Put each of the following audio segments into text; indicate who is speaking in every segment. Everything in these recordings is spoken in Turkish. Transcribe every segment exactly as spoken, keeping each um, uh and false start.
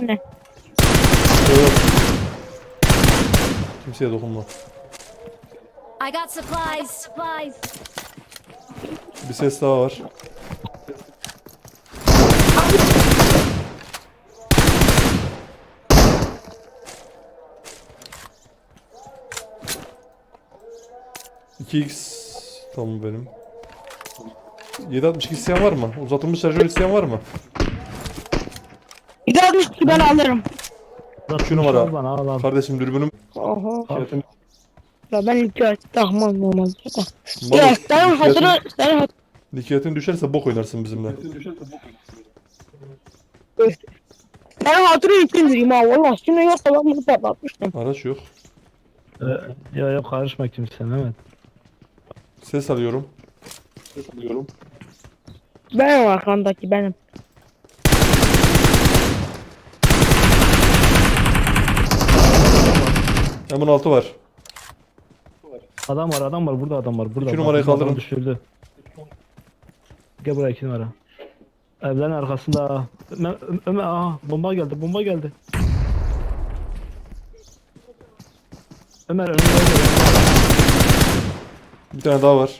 Speaker 1: anne.
Speaker 2: Yok yok. Kimseye dokunma.
Speaker 3: I got supplies. Supplies.
Speaker 2: Bir ses daha var. iki x tamam benim. yedi altmış iki isteyen var mı? Uzatılmış şarjör isteyen var mı?
Speaker 1: Bir altmış iki ben alırım.
Speaker 2: Şu numara.
Speaker 4: Bana, al, al.
Speaker 2: Kardeşim dürbünüm.
Speaker 1: Oho.
Speaker 4: Al.
Speaker 1: Ya ben ilk kez takmam normalde de.
Speaker 2: Vallahi
Speaker 1: Ya senin hatırı, senin hatırı.
Speaker 2: Nikiyetin düşerse bok oynarsın bizimle.
Speaker 1: Senin hatırı ilk indireyim ha valla. Şimdi yoksa ben bunu patlatmıştım.
Speaker 2: Araç yok.
Speaker 4: Ee, ya yok karışma kimse Mehmet.
Speaker 2: Ses alıyorum. Ses alıyorum.
Speaker 1: Benim arkamdaki benim.
Speaker 2: M on altı var.
Speaker 4: Adam var adam var burada adam var burada.
Speaker 2: İki
Speaker 4: Bak,
Speaker 2: numarayı
Speaker 4: bizim adamı
Speaker 2: kaldırın.
Speaker 4: Düşürdü. Gel buraya iki numara. Evlerin arkasında. Ömer, Ömer aha bomba geldi bomba geldi. Ömer önüne geldi.
Speaker 2: Bir tane daha var.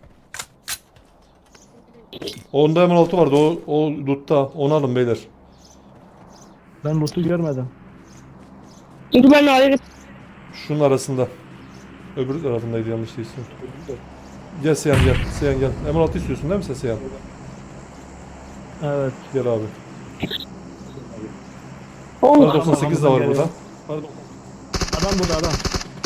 Speaker 2: Onda M on altı vardı. O, o lootta. Onu alın beyler.
Speaker 4: Ben loot'u görmedim.
Speaker 1: Dur ben alırım.
Speaker 2: Şunun arasında. Öbür tarafındaydı yanlış değilse. Gel Seyhan gel. Seyhan gel. M on altı istiyorsun değil mi sen Seyhan?
Speaker 4: Evet.
Speaker 2: Gel abi.
Speaker 1: Oh.
Speaker 2: Kar doksan sekiz de var burada.
Speaker 4: Adam burada adam.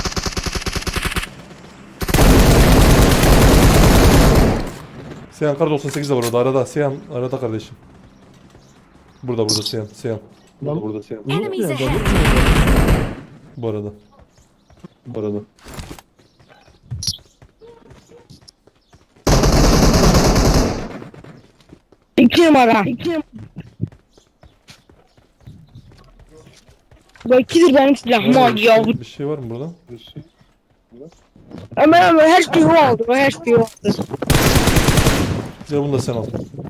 Speaker 2: Seyhan kar doksan sekiz de var orada arada. Seyhan arada kardeşim. Burada burada Seyhan. Seyhan.
Speaker 4: Adam
Speaker 2: Burada Seyhan.
Speaker 3: Enemies
Speaker 4: nerede?
Speaker 3: ahead.
Speaker 2: Bu arada. Bu arada.
Speaker 1: İki numara. İki numara. Bu ikidir benim silahım oldu ya.
Speaker 2: Bir şey var mı burada?
Speaker 1: Ömer Ömer her şeyi o aldı. O her şeyi o aldı.
Speaker 2: Gel bunu da sen al.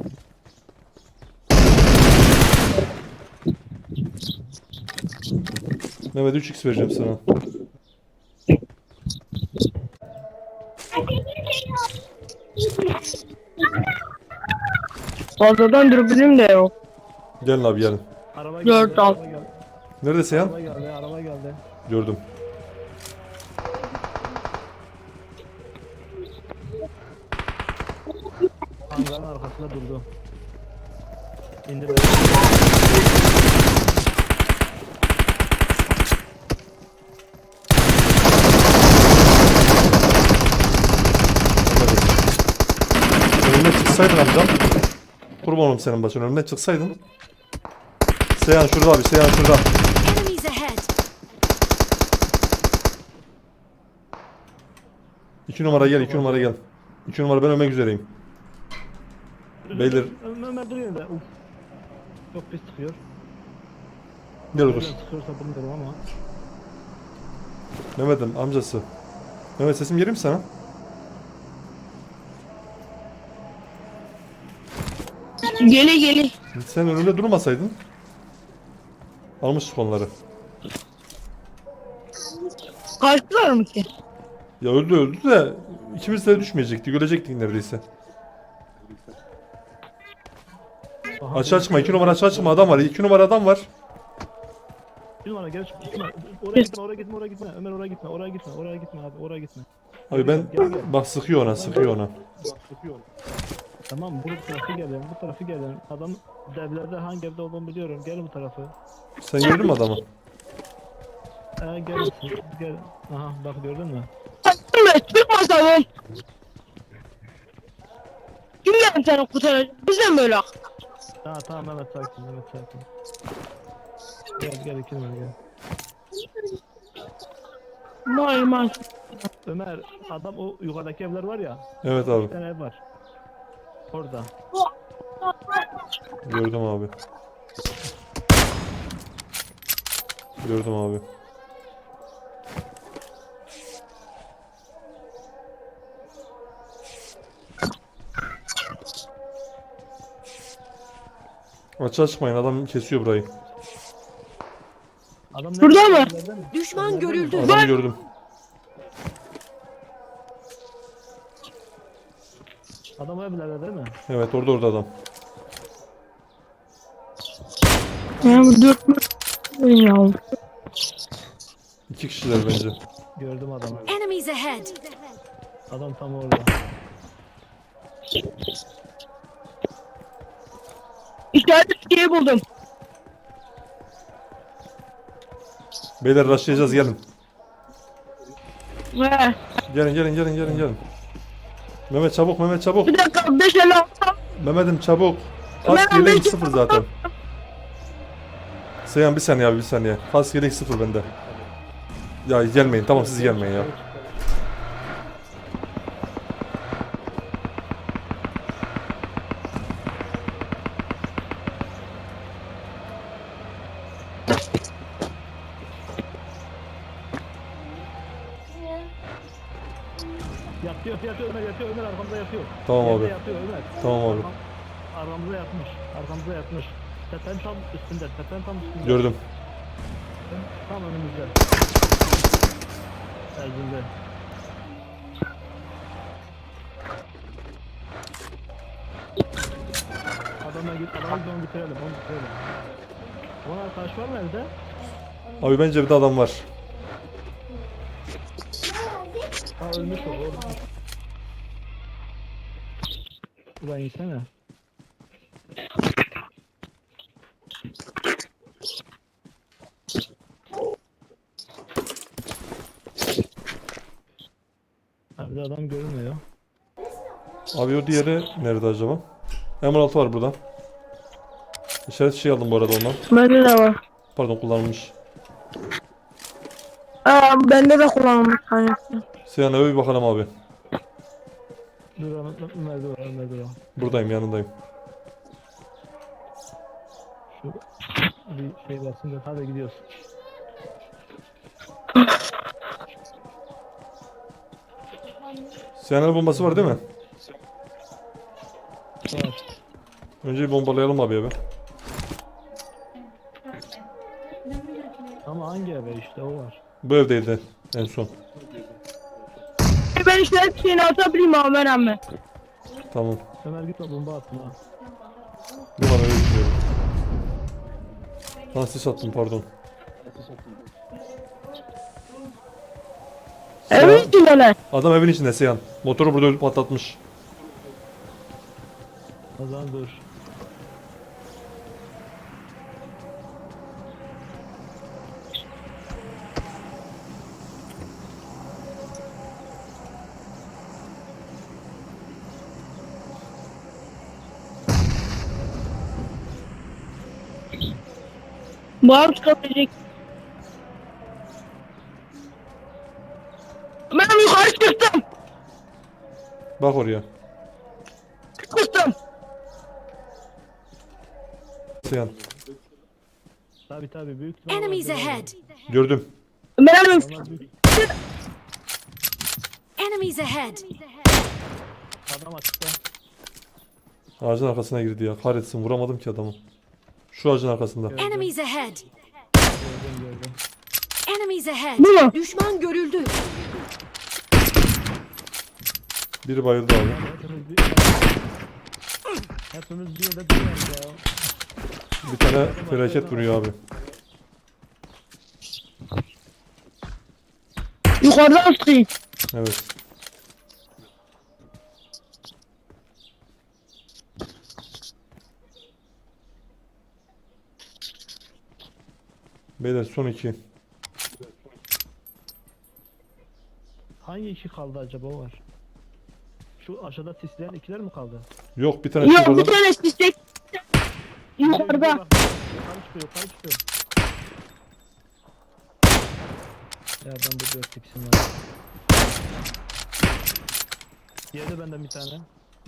Speaker 2: Mehmet üç x vereceğim sana.
Speaker 1: Fazladan dürbünüm de yok.
Speaker 2: Gelin abi gelin.
Speaker 4: Araba
Speaker 1: Dört
Speaker 4: geldi.
Speaker 1: al.
Speaker 4: Araba geldi.
Speaker 2: Nerede Seyhan?
Speaker 4: Araba geldi. Araba geldi.
Speaker 2: Gördüm.
Speaker 4: Hangarın arkasında durdu. İndi be.
Speaker 2: Önüne çıksaydın amcam. Kurban olayım senin başın. Önüne çıksaydın. Seyhan şurada abi. Seyhan şurada.
Speaker 3: Enemies ahead.
Speaker 2: İki numara gel. iki numara gel. İki numara ben ölmek üzereyim. Beyler.
Speaker 4: Ömer duruyor da. Uf. Çok pis sıkıyor.
Speaker 2: Gel dur.
Speaker 4: Nereden sıkıyorsa bilmiyorum ama.
Speaker 2: Mehmet'im amcası. Mehmet sesim geliyor mu sana?
Speaker 1: Geli geli.
Speaker 2: Sen önünde durmasaydın. Almıştık onları.
Speaker 1: Kaçtılar mı ki?
Speaker 2: Ya öldü öldü de ikimiz de düşmeyecektik. Ölecektik neredeyse.
Speaker 4: Aha,
Speaker 2: Açığa çıkma. iki numara açığa çıkma. Adam var. iki numara adam var.
Speaker 4: Bir numara gel. Gitme. Oraya gitme. Oraya gitme. Oraya gitme. Ömer oraya gitme. Oraya gitme. Oraya gitme abi. Oraya gitme.
Speaker 2: Abi ben bak sıkıyor ona sıkıyor ona.
Speaker 4: Tamam bu tarafı gelin. Bu tarafı gelin. Adam devlerde hangi evde olduğunu biliyorum. Gel bu tarafı.
Speaker 2: Sen gördün mü adamı?
Speaker 4: Ee, gel. Gel. Aha bak gördün mü?
Speaker 1: Kaçtın mı? Çıkmasaydın. Kim geldi seni kurtaracak? Biz de mi böyle?
Speaker 4: Ha tamam Mehmet sakin. Mehmet sakin. Gel gel iki numara gel.
Speaker 1: Vay vay.
Speaker 4: Ömer adam o yukarıdaki evler var ya.
Speaker 2: Evet
Speaker 4: Bir
Speaker 2: abi.
Speaker 4: tane ev var. Orada.
Speaker 2: Gördüm abi. Gördüm abi. Açığa çıkmayın adam kesiyor burayı.
Speaker 4: Adam
Speaker 1: Şurada mı?
Speaker 4: Evlerde mi?
Speaker 3: Düşman
Speaker 4: Evlerde mi?
Speaker 3: görüldü.
Speaker 2: Adamı gördüm.
Speaker 4: Adam o evlerde değil mi?
Speaker 2: Evet orada orada adam.
Speaker 1: Ya bu dört mü? Ya.
Speaker 2: İki kişiler bence.
Speaker 4: Gördüm adamı.
Speaker 3: Enemies ahead.
Speaker 4: Adam tam orada.
Speaker 1: İşaret şeyi buldum.
Speaker 2: Beyler rushlayacağız gelin.
Speaker 1: He.
Speaker 2: Gelin gelin gelin gelin gelin. Mehmet çabuk Mehmet çabuk.
Speaker 1: Bir dakika beş elli altı.
Speaker 2: Mehmet'im çabuk. Kask
Speaker 1: Mehmet,
Speaker 2: yelek
Speaker 1: beş-
Speaker 2: sıfır zaten. Seyhan bir saniye abi bir saniye. Kask yelek sıfır bende. Ya gelmeyin tamam siz gelmeyin ya.
Speaker 4: Yatıyor yatıyor Ömer yatıyor Ömer arkamda yatıyor.
Speaker 2: Tamam
Speaker 4: Yerde
Speaker 2: abi.
Speaker 4: Yatıyor Ömer.
Speaker 2: Tamam abi.
Speaker 4: Arkam- Arkamızda yatmış. Arkamızda yatmış. Tepenin tam üstünde. Tepenin tam üstünde.
Speaker 2: Gördüm.
Speaker 4: Tam önümüzde. Erzinde. Adamla git, adamla git onu bitirelim, onu bitirelim. Onun arkadaş var mı evde?
Speaker 2: Abi bence bir de adam var.
Speaker 4: Ha ölmüş o, o ölmüş. Ulan yesene. Ha bir de adam görünmüyor.
Speaker 2: Abi o diğeri nerede acaba? M on altı var burada. İşaret şey aldım bu arada ondan.
Speaker 1: Bende de var.
Speaker 2: Pardon kullanılmış.
Speaker 1: Aa, bende de kullanılmış tanesi.
Speaker 2: Seyhan eve bir bakalım abi.
Speaker 4: Dur Ömer Ömer dur Ömer dur.
Speaker 2: Buradayım yanındayım.
Speaker 4: Şu bir şey bassın da hadi gidiyoruz.
Speaker 2: Seyhan el bombası var değil mi?
Speaker 4: Var.
Speaker 2: Önce bir bombalayalım abi eve.
Speaker 4: Ama hangi eve işte o var.
Speaker 2: Bu evdeydi en son.
Speaker 1: Ben işaret şeyini atabilirim abi ben hemen.
Speaker 2: Tamam.
Speaker 4: Ömer gitme bomba atma.
Speaker 2: Bu var eve gidiyorum. Lan sis attım pardon.
Speaker 1: Evet içindeler.
Speaker 2: Adam evin içinde Seyhan. Motoru burada ölüp patlatmış.
Speaker 4: O zaman dur.
Speaker 1: Bağım çıkabilecek. Ben yukarı çıktım.
Speaker 2: Bak oraya.
Speaker 1: Çıktım.
Speaker 2: Seyhan.
Speaker 4: Tabi tabi büyük ihtimalle
Speaker 3: Enemies
Speaker 4: vardır
Speaker 3: ahead.
Speaker 2: Gördüm.
Speaker 1: Ben hemen
Speaker 4: orada. Onlar büyük.
Speaker 3: Enemies ahead.
Speaker 4: Adam açıkta.
Speaker 2: Ağacın arkasına girdi ya. Kahretsin vuramadım ki adamı. Şu ağacın arkasında.
Speaker 3: Enemies ahead.
Speaker 4: Gördüm gördüm.
Speaker 3: Enemies ahead.
Speaker 1: Bu mu?
Speaker 3: Düşman görüldü.
Speaker 2: Biri bayıldı abi.
Speaker 4: Hepimiz bir... Hepimiz bir yerde duruyoruz ya.
Speaker 2: Bir tane felaket vuruyor abi.
Speaker 1: yukarıdan sıkayım.
Speaker 2: Evet. Beyler son iki.
Speaker 4: Hangi iki kaldı acaba o var? Şu aşağıda sisleyen ikiler mi kaldı?
Speaker 2: Yok bir tane
Speaker 1: Yok bir
Speaker 2: şuradan.
Speaker 1: tanesi çiçek. Yukarıda.
Speaker 4: Bak, yukarı çıkıyor yukarı çıkıyor. Ya ben de dört tiksim var. Yedi benden bir tane.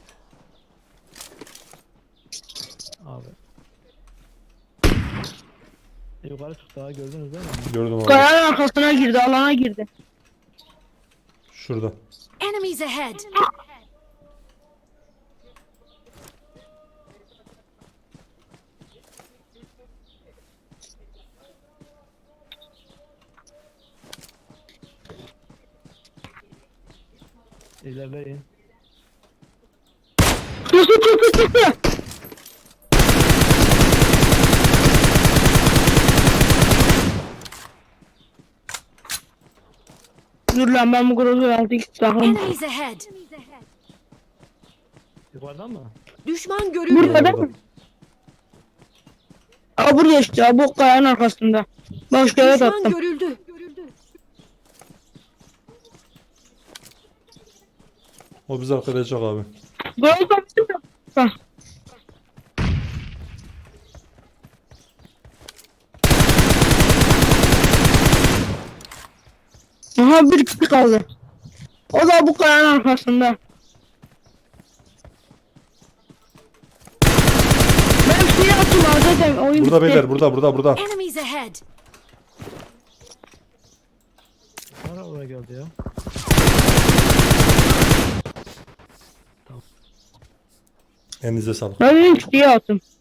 Speaker 4: Abi. E, yukarı çıktı daha gördünüz değil mi?
Speaker 2: Gördüm abi.
Speaker 1: Kayanın arkasına girdi, alana girdi.
Speaker 2: Şurada.
Speaker 3: Enemies ahead.
Speaker 4: İlerleyin.
Speaker 1: Çıktı çıktı çıktı. Dur lan ben bu grozu altı iki takım.
Speaker 3: Enemies ahead.
Speaker 4: Yukarıdan mı?
Speaker 3: Düşman görüldü.
Speaker 1: Burada değil mi? Aa buraya işte abi, bu kayanın arkasında. Boş kere
Speaker 3: Düşman
Speaker 1: attım.
Speaker 3: görüldü.
Speaker 2: O bizi arkalayacak abi.
Speaker 1: Grozu da bizim de- Aha bir kişi kaldı. O da bu kayanın arkasında. Ben bir şey attım abi zaten oyun
Speaker 2: Burada
Speaker 1: bitti.
Speaker 2: beyler, burada burada burada.
Speaker 3: Enemies ahead.
Speaker 4: Ara oraya geldi ya.
Speaker 2: Elinize sağlık.
Speaker 1: Ben bir şey attım.